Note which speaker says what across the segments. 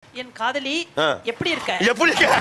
Speaker 1: என் காதலி எப்படி இருக்க?
Speaker 2: எப்படி இருக்க?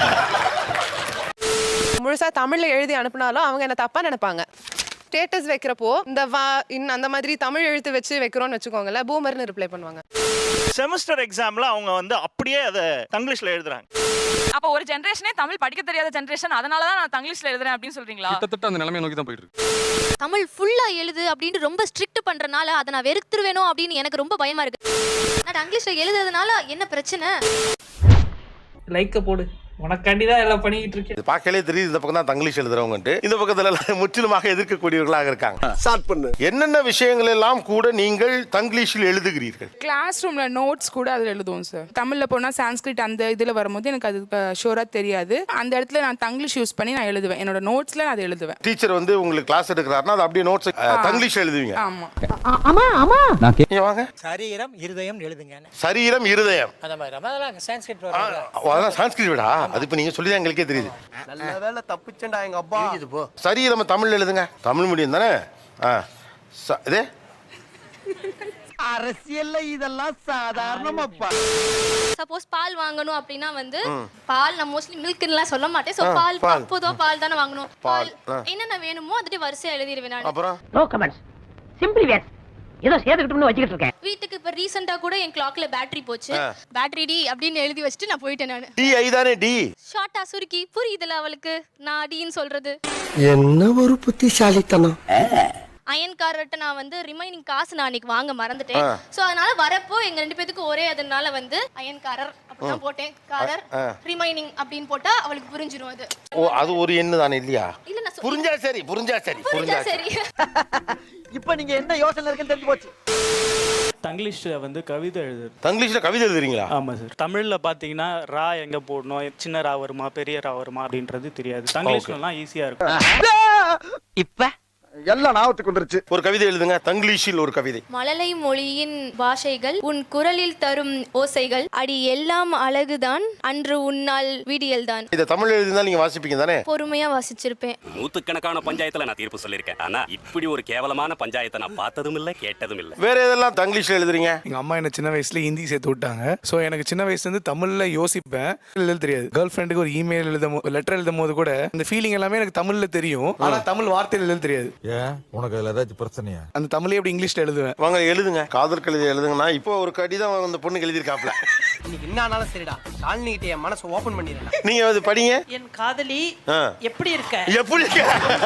Speaker 3: முழுசா தமிழ்ல எழுதி அனுப்புனாலும் அவங்க என்ன தப்பா நினைப்பாங்க. ஸ்டேட்டஸ் வைக்கிறப்போ இந்த அந்த மாதிரி தமிழ் எழுத்து வச்சு வைக்கிறோம்னு வச்சுக்கோங்களேன், பூமர்னு ரிப்ளை பண்ணுவாங்க.
Speaker 4: செமஸ்டர் எக்ஸாம்ல அவங்க வந்து அப்படியே அதை தங்கிலீஷ்ல எழுதுறாங்க.
Speaker 5: அப்ப ஒரு ஜெனரேஷனே தமிழ் படிக்க தெரியாத ஜெனரேஷன், அதனால தான் நான் தங்கிலீஷ்ல எழுதுறேன் அப்படின்னு சொல்றீங்களா?
Speaker 6: கிட்டத்தட்ட அந்த நிலைமையை நோக்கி தான் போயிட்டு இருக்கு.
Speaker 7: தமிழ் ஃபுல்லா எழுது அப்படின்னு ரொம்ப ஸ்ட்ரிக்ட் பண்றனால அதை நான் வெறுத்துருவேனோ அப்படின்னு எனக்கு ரொம்ப பயமா இருக்கு. நான் இங்கிலீஷ்ல எழுதுறதுனால என்ன பிரச்சனை?
Speaker 8: லைக்க போடு, உனக்காண்டி தான் எல்லாம் பண்ணிக்கிட்டு இருக்கேன்.
Speaker 2: இது பார்க்கலே தெரியுது இந்த பக்கம் தான் தங்கிலீஷ் எழுதுறவங்கன்ட்டு, இந்த பக்கத்துல முற்றிலுமாக எதிர்க்கக்கூடியவர்களாக இருக்காங்க. ஸ்டார்ட் பண்ணு. என்னென்ன விஷயங்கள் எல்லாம் கூட நீங்கள் தங்கிலீஷில் எழுதுகிறீர்கள்?
Speaker 9: கிளாஸ் ரூம்ல நோட்ஸ் கூட அதில் எழுதுவோம் சார். தமிழ்ல போனா சான்ஸ்கிரிட் அந்த இதுல வரும்போது எனக்கு அது ஷோரா தெரியாது. அந்த இடத்துல நான் தங்கிலீஷ் யூஸ் பண்ணி நான் எழுதுவேன். என்னோட நோட்ஸ்ல நான் அதை எழுதுவேன்.
Speaker 2: டீச்சர் வந்து உங்களுக்கு கிளாஸ் எடுக்கிறாருன்னா அது அப்படியே நோட்ஸ் தங்கிலீஷ் எழுதுவீங்க.
Speaker 9: ஆமா
Speaker 10: ஆமா ஆமா.
Speaker 2: நீங்க வாங்க.
Speaker 8: சரீரம் இருதயம் எழுதுங்க.
Speaker 2: சரீரம் இருதயம்
Speaker 8: அத மாதிரி அதெல்லாம் சான்ஸ்கிரிட்
Speaker 2: அதெல்லாம் சான்ஸ்கிரிட் விடா. அது இப்ப நீங்க சொல்லி தான் எங்களுக்கே தெரியுது.
Speaker 10: நல்ல வேளை தப்பிச்சேன்டா எங்க அப்பா.
Speaker 2: சரீரம் தமிழ்ல எழுதுங்க. தமிழ் மீடியம் தானே? இதே
Speaker 10: அரசியல்ல இதெல்லாம் சாதாரணமாப்பா.
Speaker 7: சப்போஸ் பால் வாங்கணும் அப்படின்னா வந்து பால் நான் மோஸ்ட்லி மில்க்லாம் சொல்ல மாட்டேன். சோ பால் பொதுவா பால் தானே வாங்கணும். பால் என்னென்ன வேணுமோ அதுட்டு வரிசையா எழுதிடுவேன் நான்.
Speaker 2: அப்புறம்
Speaker 10: நோ கமெண்ட்ஸ், சிம்பிளி வேட். ஏதோ சேர்த்துக்கிட்டோம்னு வச்சுக்கிட்டு இருக்கேன்.
Speaker 7: வீட்டுக்கு இப்ப ரீசெண்டா கூட என் கிளாக்ல பேட்டரி போச்சு. பேட்டரி டி அப்படின்னு எழுதி வச்சுட்டு நான் போயிட்டேன். நான்
Speaker 2: டி ஐ தானே? டி
Speaker 7: ஷார்ட்டா சுருக்கி புரியுதுல அவளுக்கு நான் டின்னு சொல்றது.
Speaker 10: என்ன ஒரு புத்திசாலித்தனம்.
Speaker 7: அயன்காரர்கிட்ட நான் வந்து ரிமைனிங் காசு நான் அன்னைக்கு வாங்க மறந்துட்டேன். சோ அதனால வரப்போ எங்க ரெண்டு பேத்துக்கு ஒரே அதனால வந்து அயன்காரர் அப்படிதான் போட்டேன். காரர் ரிமைனிங் அப்படின்னு போட்டா அவளுக்கு புரிஞ்சிரும். அது
Speaker 2: ஓ, அது ஒரு எண்ணு தானே இல்லையா?
Speaker 7: இல்ல நான்
Speaker 2: புரிஞ்சா சரி, புரிஞ்சா சரி, புரிஞ்சா சரி.
Speaker 10: இப்போ நீங்க என்ன யோசனை இருக்குன்னு தெரிஞ்சு போச்சு.
Speaker 4: தங்கிலீஷ்ல வந்து கவிதை எழுதுறது.
Speaker 2: தங்கிலீஷ்ல கவிதை எழுதுறீங்களா?
Speaker 4: ஆமா சார். தமிழ்ல பாத்தீங்கன்னா ரா எங்க போடணும், சின்ன ரா வருமா பெரிய ரா வருமா அப்படின்றது தெரியாது. தங்கிலீஷ்லாம் ஈஸியா இருக்கும்.
Speaker 10: இப்ப எல்லாம் ஞாபகத்துக்கு வந்துருச்சு.
Speaker 2: ஒரு கவிதை எழுதுங்க தங்கிலீஷில். ஒரு கவிதை.
Speaker 7: மழலை மொழியின் பாஷைகள் உன் குரலில் தரும் ஓசைகள் அடி எல்லாம் அழகுதான் அன்று உன்னால் விடியல் தான்.
Speaker 2: இத தமிழ் எழுதினா நீங்க வாசிப்பீங்க தானே?
Speaker 7: பொறுமையா வாசிச்சிருப்பேன்.
Speaker 11: நூத்துக்கணக்கான பஞ்சாயத்துல நான் தீர்ப்பு சொல்லியிருக்கேன். ஆனா இப்படி ஒரு கேவலமான பஞ்சாயத்தை நான் பார்த்ததும் இல்ல, கேட்டதும் இல்ல.
Speaker 2: வேற எதெல்லாம் தங்கிலீஷ்ல எழுதுறீங்க?
Speaker 6: எங்க அம்மா என்ன சின்ன வயசுல ஹிந்தி சேர்த்து விட்டாங்க. சோ எனக்கு சின்ன வயசுல இருந்து தமிழ்ல யோசிப்பேன், எழுத தெரியாது. கேர்ள் ஃப்ரெண்டுக்கு ஒரு இமெயில் லெட்டர் எழுதும் போது கூட அந்த ஃபீலிங் எல்லாமே எனக்கு தமிழ்ல தெரியும். ஆனா தமிழ் வார்த்தையில எழுத தெரியாது.
Speaker 12: உனக்கு அதுல ஏதாச்சும் பிரச்சனையா?
Speaker 6: அந்த தமிழே எப்படி இங்கிலீஷ்ல எழுதுவேன்.
Speaker 2: வாங்க எழுதுங்க. காதல் கவிதை எழுதுங்கன்னா இப்போ ஒரு கடிதம் அந்த பொண்ணுக்கு எழுதிருக்காப்ல.
Speaker 10: இன்னைக்கு என்னானாலும் சரிடா, ஷாலினி கிட்ட என் மனசை ஓபன் பண்ணிடுறேன்.
Speaker 2: நீங்க அது படிங்க.
Speaker 1: என் காதலி எப்படி இருக்க?
Speaker 2: எப்படி இருக்க?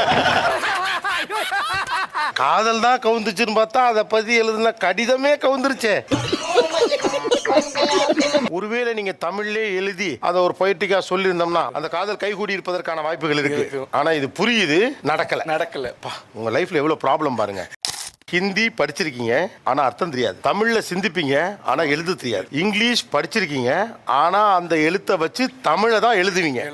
Speaker 2: காதல் தான் கவுந்துச்சுன்னு பார்த்தா அதை பத்தி எழுதுன கடிதமே கவுந்துருச்சே. ஒருவேளை நீங்க தமிழ்லே எழுதி அதை ஒரு பொய்டிக்கா சொல்லியிருந்தோம்னா அந்த காதல் கைகூடி இருப்பதற்கான வாய்ப்புகள் இருக்கு. ஆனா இது புரியுது, நடக்கல. உங்க லைஃப்ல எவ்வளவு ப்ராப்ளம் பாருங்க. ஹிந்தி படிச்சிருக்கீங்க ஆனா அர்த்தம் தெரியாது. தமிழ்ல சிந்திப்பீங்க ஆனா எழுத தெரியாது. இங்கிலீஷ் படிச்சிருக்கீங்க ஆனா அந்த எழுத்தை வச்சு தமிழை தான் எழுதுவீங்க.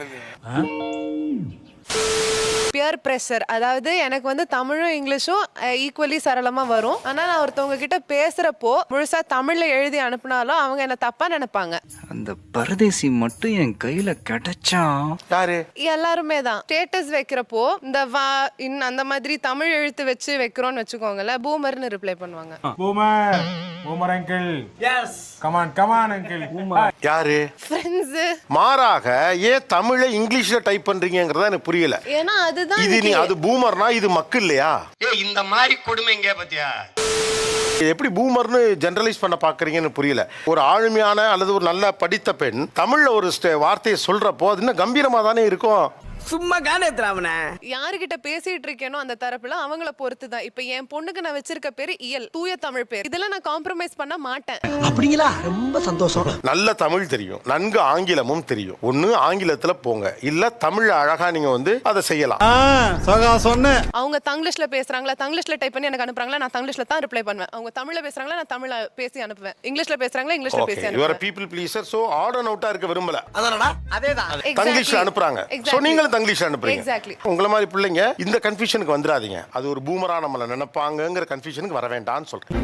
Speaker 3: பியர் பிரஷர், அதாவது எனக்கு வந்து தமிழும் இங்கிலீஷும் ஈக்குவலி சரளமா வரும். ஆனா நான் ஒருத்தவங்க கிட்ட பேசுறப்போ முழுசா தமிழ்ல எழுதி அனுப்புனாலும் அவங்க என்ன தப்பா நினைப்பாங்க.
Speaker 8: அந்த பரதேசி மட்டும் என் கையில கிடைச்சா.
Speaker 2: யாரு?
Speaker 3: எல்லாருமே தான். ஸ்டேட்டஸ் வைக்கிறப்போ இந்த அந்த மாதிரி தமிழ் எழுத்து வச்சு வைக்கிறோம்னு வச்சுக்கோங்களேன், பூமர்னு ரிப்ளை பண்ணுவாங்க.
Speaker 12: Boomer uncle. Yes. Come on uncle.
Speaker 2: யாரு?
Speaker 3: ஃப்ரெண்ட்ஸ்.
Speaker 2: மாறாக ஏன் தமிழை இங்கிலீஷ்ல டைப் பண்றீங்கங்கறத எனக்கு புரியல.
Speaker 3: ஏன்னா அதுதான்
Speaker 2: அது பூமர்னா இது மக்கு இல்லையா?
Speaker 10: இந்த மாதிரி கொடுமைங்க பத்தியா?
Speaker 2: எப்படி பூமர்னு ஜெனரலைஸ் பண்ண பாக்குறீங்கன்னு புரியல. ஒரு ஆளுமையான அல்லது ஒரு நல்ல படித்த பெண் தமிழ்ல ஒரு வார்த்தையை சொல்றப்போ அது இன்னும் கம்பீரமா தானே இருக்கும்.
Speaker 10: சும்மா காணேத்ராவனே.
Speaker 3: யாருகிட்ட பேசிட்டு இருக்கேனோ அந்த தரப்புல அவங்கள பொறுத்து தான். இப்ப என் பொண்ணுக்கு நான் வச்சிருக்க பேரு இயல், தூய தமிழ் பேர். இதெல்லாம் நான் காம்ப்ரமைஸ் பண்ண மாட்டேன்.
Speaker 10: அப்படிங்களா? ரொம்ப சந்தோஷம்.
Speaker 2: நல்ல தமிழ் தெரியும், நன்கு ஆங்கிலமும் தெரியும். ஒண்ணு ஆங்கிலத்துல போங்க, இல்ல தமிழ் அழகா நீங்க வந்து அதை செய்யலாம்.
Speaker 3: அவங்க தங்கிலீஷ்ல பேசுறாங்களா, தங்கிலீஷ்ல டைப் பண்ணி எனக்கு அனுப்புறாங்களா, நான் தங்கிலீஷ்ல தான் ரிப்ளை பண்ணுவேன். அவங்க தமிழ்ல பேசுறாங்களா, நான் தமிழ்ல பேசி அனுப்புவேன். இங்கிலீஷ்ல பேசுறாங்களா, இங்கிலீஷ்ல பேசி
Speaker 2: யூ ஆர்
Speaker 3: அனுப்புவேன்.
Speaker 2: People pleaser. So odd and அவுட்டா இருக்க விரும்பல.
Speaker 10: அதானடா? அதேதான்.
Speaker 2: தங்கிலீஷ்ல அனுப்புறாங்க. சோ நீங்களும் தங்கிலீஷ்ல அனுப்புறீங்க.
Speaker 3: எக்ஸாக்ட்லி.
Speaker 2: உங்கள மாதிரி பிள்ளைங்க இந்த கன்ஃபியூஷனுக்கு வந்துடாதீங்க. அது ஒரு பூமரா நம்மள நினைப்பாங்கங்கிற கன்ஃபியூஷனுக்கு வர வேண்டாம்னு சொல்றேன்.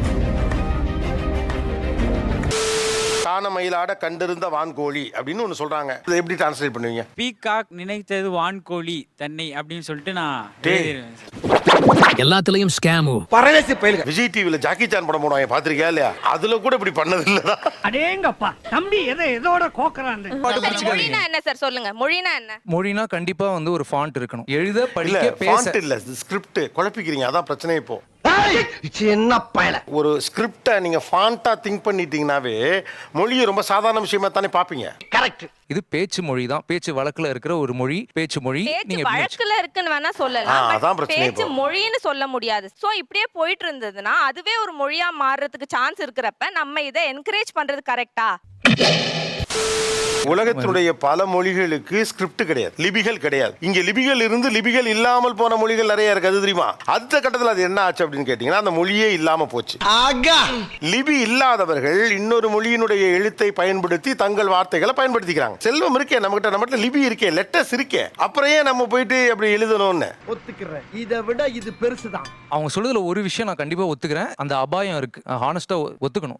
Speaker 2: காண மயிலாட கண்டிருந்த வான்கோழி அப்படின்னு ஒன்னு சொல்றாங்க. இதை எப்படி டிரான்ஸ்லேட் பண்ணுவீங்க?
Speaker 8: பீகாக் நினைத்தது வான்கோழி தன்னை அப்படின்னு சொல்லிட்டு நான்
Speaker 10: எல்லாத்துலயும் ஸ்கேமு.
Speaker 2: விஜய் டிவில ஜாக்கி சான் படம் போடுவாங்க பாத்திருக்கியா இல்லையா? அதுல கூட இப்படி பண்ணது இல்லடா.
Speaker 10: அடேங்கப்பா தம்பி எதோட கோக்கறான்.
Speaker 5: மொழினா என்ன சார் சொல்லுங்க, மொழினா என்ன?
Speaker 6: மொழினா கண்டிப்பா வந்து ஒரு ஃபாண்ட் இருக்கணும். எழுத
Speaker 2: இல்ல
Speaker 6: படிக்க பேச.
Speaker 2: ஃபாண்ட் இல்ல, ஸ்கிரிப்ட் குழப்பிக்கிறீங்க. அதான் பிரச்சனை இப்போ.
Speaker 10: என்ன பயல.
Speaker 2: ஒரு ஸ்கிரிப்டை நீங்க ஃபாண்டா திங்க் பண்ணிட்டீங்கன்னாவே மொழியை ரொம்ப சாதாரண விஷயமா தானே பாப்பீங்க.
Speaker 10: கரெக்ட்.
Speaker 6: இது பேச்சு மொழி தான். பேச்சு வழக்குல இருக்கிற ஒரு மொழி, பேச்சு மொழி.
Speaker 5: பேச்சு வழக்குல இருக்குன்னு வேணா சொல்லலாம்,
Speaker 2: அதான் பிரச்சனை.
Speaker 5: பேச்சு மொழின்னு சொல்ல முடியாது. சோ இப்படியே போயிட்டு இருந்ததுன்னா அதுவே ஒரு மொழியா மாறுறதுக்கு சான்ஸ் இருக்கிறப்ப நம்ம இதை என்கரேஜ் பண்றது கரெக்டா?
Speaker 2: உலகத்தினுடைய பல மொழிகளுக்கு ஸ்கிரிப்ட் கிடையாது, லிபிகள் கிடையாது. இங்க லிபிகள் இருந்து லிபிகள் இல்லாமல் போன மொழிகள் நிறைய இருக்கு. அது தெரியுமா? அடுத்த கட்டத்தில் அது என்ன ஆச்சு அப்படின்னு கேட்டீங்கன்னா அந்த மொழியே இல்லாம போச்சு. லிபி இல்லாதவர்கள் இன்னொரு மொழியினுடைய எழுத்தை பயன்படுத்தி தங்கள் வார்த்தைகளை பயன்படுத்திக்கிறாங்க. செல்வம் இருக்கே நம்மகிட்ட லிபி இருக்கே, லெட்டர்ஸ் இருக்கே, அப்புறம் ஏன் நம்ம போயிட்டு அப்படி எழுதணும்னு
Speaker 10: ஒத்துக்கிறேன். இதை விட இது பெருசுதான்.
Speaker 6: அவங்க சொல்றதுல ஒரு விஷயம் நான் கண்டிப்பா ஒத்துக்கிறேன். அந்த அபாயம் இருக்கு. ஹானஸ்டா ஒத்துக்கணும்.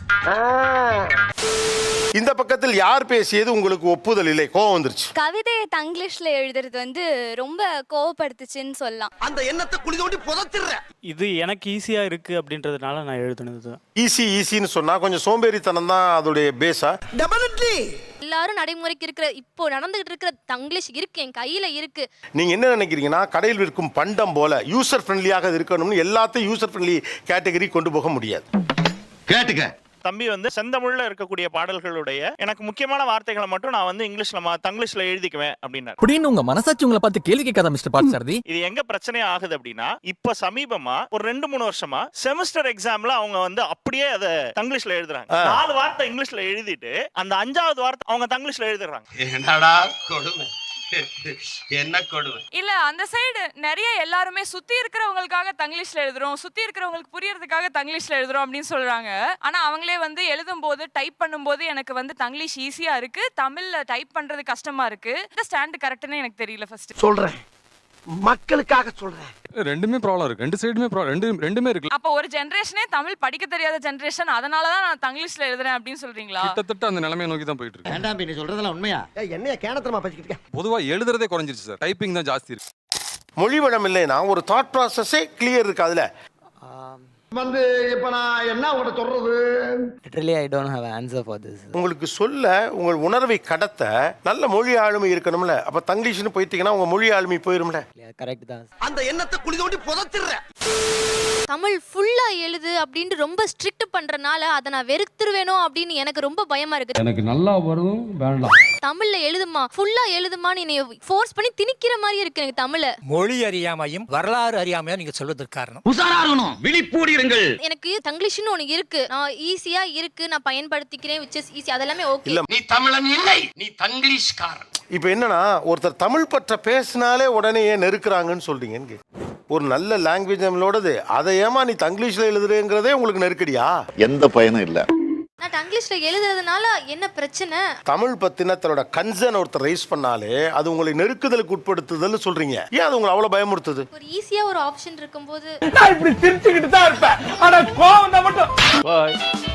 Speaker 2: இந்த பக்கத்தில் யார் பேசியது உங்களுக்கு ஒப்புதல் இல்லை, கோவம் வந்துருச்சு?
Speaker 7: கவிதையை தங்கிலீஷ்ல எழுதுறது வந்து ரொம்ப கோவப்படுத்துச்சுன்னு சொல்லலாம்.
Speaker 10: அந்த எண்ணத்தை குழி தோண்டி புதைச்சிடுற.
Speaker 4: இது எனக்கு ஈஸியா இருக்கு அப்படின்றதுனால நான் எழுதுனது.
Speaker 2: ஈஸின்னு சொன்னா கொஞ்சம் சோம்பேறித்தனம் தான் அதோடைய பேஸா?
Speaker 10: டெஃபினெட்லி.
Speaker 7: எல்லாரும் நடைமுறைக்கு இருக்கிற இப்போ நடந்துகிட்டு இருக்கிற தங்கிலீஷ் இருக்கு, என் கையில இருக்கு.
Speaker 2: நீங்க என்ன நினைக்கிறீங்கன்னா கடையில் விற்கும் பண்டம் போல யூசர் ஃப்ரெண்ட்லியாக இருக்கணும்னு எல்லாத்தையும் யூசர் ஃப்ரெண்ட்லி கேட்டகரி கொண்டு போக முடியாது.
Speaker 10: கேட்டுக்க.
Speaker 13: தம்பி வந்து செந்தமிழ்ல இருக்கக்கூடிய பாடல்களுடைய எனக்கு முக்கியமான வார்த்தைகளை மட்டும் நான் வந்து இங்கிலீஷ்ல தங்கிலீஷ்ல எழுதிக்குவேன் அப்படின்னாரு.
Speaker 10: அப்படின்னு உங்க மனசாட்சி உங்களை பார்த்து கேள்வி கேட்காத மிஸ்டர் பார்த்தசாரதி.
Speaker 13: இது எங்க பிரச்சனை ஆகுது அப்படின்னா இப்ப சமீபமா ஒரு 2-3 வருஷமா செமஸ்டர் எக்ஸாம்ல அவங்க வந்து அப்படியே அதை தங்கிலீஷ்ல எழுதுறாங்க. 4 வார்த்தை இங்கிலீஷ்ல எழுதிட்டு அந்த 5வது வார்த்தை அவங்க தங்கிலீஷ்ல எழுதுறாங்க.
Speaker 11: என்னடா கொடுமை, என்ன கொடுமை.
Speaker 5: இல்ல அந்த சைடு நிறைய எல்லாருமே சுத்தி இருக்கிறவங்களுக்காக தங்கிலீஷ்ல எழுதுறோம், சுத்தி இருக்கிறவங்களுக்கு புரியறதுக்காக தங்கிலீஷ்ல எழுதுறோம் அப்படின்னு சொல்றாங்க. ஆனா அவங்களே வந்து எழுதும் போது டைப் பண்ணும்போது எனக்கு வந்து தங்கிலீஷ் ஈஸியா இருக்கு, தமிழ்ல டைப் பண்றது கஷ்டமா இருக்கு. இந்த ஸ்டாண்ட் கரெக்ட்னு எனக்கு தெரியல. ஃபர்ஸ்ட்
Speaker 10: சொல்றேன், மக்களுக்காக சொல்றேன்.
Speaker 6: ரெண்டுமே ப்ராப்ளம் இருக்கு. ரெண்டு சைடுமே ரெண்டுமே இருக்கு.
Speaker 5: அப்ப ஒரு ஜெனரேஷனே தமிழ் படிக்க தெரியாத ஜெனரேஷன், அதனால தான் நான் தங்கிலீஷ்ல எழுதுறேன் அப்படின்னு சொல்றீங்களா?
Speaker 6: கிட்டத்தட்ட அந்த நிலைமையை நோக்கி தான் போயிட்டு இருக்கு.
Speaker 10: வேண்டாம், நீ சொல்றதெல்லாம் உண்மையா? என்னைய கேனத்தனமா பேசிக்கிட்டு இருக்க?
Speaker 6: பொதுவா எழுதுறதே குறைஞ்சிருச்சு சார். டைப்பிங் தான் ஜாஸ்தி இருக்கு.
Speaker 2: மொழி வளம் இல்லைன்னா ஒரு தாட் ப்ராசஸே கிளியர் இருக்கு. அதுல
Speaker 10: வந்து இப்ப நான் என்ன உங்கள்கிட்ட சொல்றது?
Speaker 14: Literally I don't have answer for this.
Speaker 2: உங்களுக்கு சொல்ல உங்கள் உணர்வை கடத்த நல்ல மொழி ஆளுமை இருக்கணும்ல. அப்ப தங்கிலீஷ்னு போயிட்டீங்கன்னா உங்க மொழி ஆளுமை போயிரும்ல.
Speaker 14: கரெக்ட் தான்.
Speaker 10: அந்த எண்ணத்தை குழி தோண்டி புதைச்சிடுற.
Speaker 7: தமிழ் ஃபுல்லா எழுது அப்படின்னு ரொம்ப ஸ்ட்ரிக்ட் பண்றனால அதை நான் வெறுத்துருவேனோ அப்படின்னு எனக்கு ரொம்ப பயமா இருக்கு.
Speaker 12: எனக்கு நல்லா வரும் வேண்டாம்.
Speaker 7: தமிழ்ல எழுதுமா, ஃபுல்லா எழுதுமான்னு என்னைய ஃபோர்ஸ் பண்ணி திணிக்கிற மாதிரி இருக்கு எனக்கு தமிழ.
Speaker 10: மொழி அறியாமையும் வரலாறு அறியாமையும் நீங்க சொல்வதற்கு காரணம்.
Speaker 11: உசாரா இருக்கணும், விழிப்பூடிருங்கள்.
Speaker 7: எனக்கு தங்கிலீஷ்னு ஒண்ணு இருக்கு, நான் ஈஸியா இருக்கு, நான் பயன்படுத்திக்கிறேன், which is easy. அதெல்லாமே ஓகே.
Speaker 2: இல்ல
Speaker 11: நீ தமிழன் இல்லை, நீ தங்கிலீஷ்காரன்.
Speaker 2: இப்ப என்னன்னா ஒருத்தர் தமிழ் பற்ற பேசினாலே உடனே ஏன் நெருக்குறாங்கன்னு சொல்றீங்க? ஒரு நல்ல லாங்குவேஜ் நம்மளோடது, அதை ஏமா நீ தங்கிலீஷ்ல எழுதுறேங்கிறதே உங்களுக்கு நெருக்கடியா?
Speaker 15: எந்த பயனும் இல்ல.
Speaker 7: நான் தங்கிலீஷ்ல எழுதுறதுனால என்ன பிரச்சனை?
Speaker 2: தமிழ் பத்தின தன்னோட கன்சர்ன் ஒருத்தர் ரைஸ் பண்ணாலே அது உங்களை நெருக்குதலுக்கு உட்படுத்துதல்னு சொல்றீங்க. ஏன் அது உங்களை அவ்வளவு பயமுறுத்துது?
Speaker 7: ஒரு ஈஸியா ஒரு ஆப்ஷன் இருக்கும்போது
Speaker 12: நான் இப்படி சிரிச்சுக்கிட்டு தான் இருப்பேன். ஆனா கோவம் தான் மட்டும்.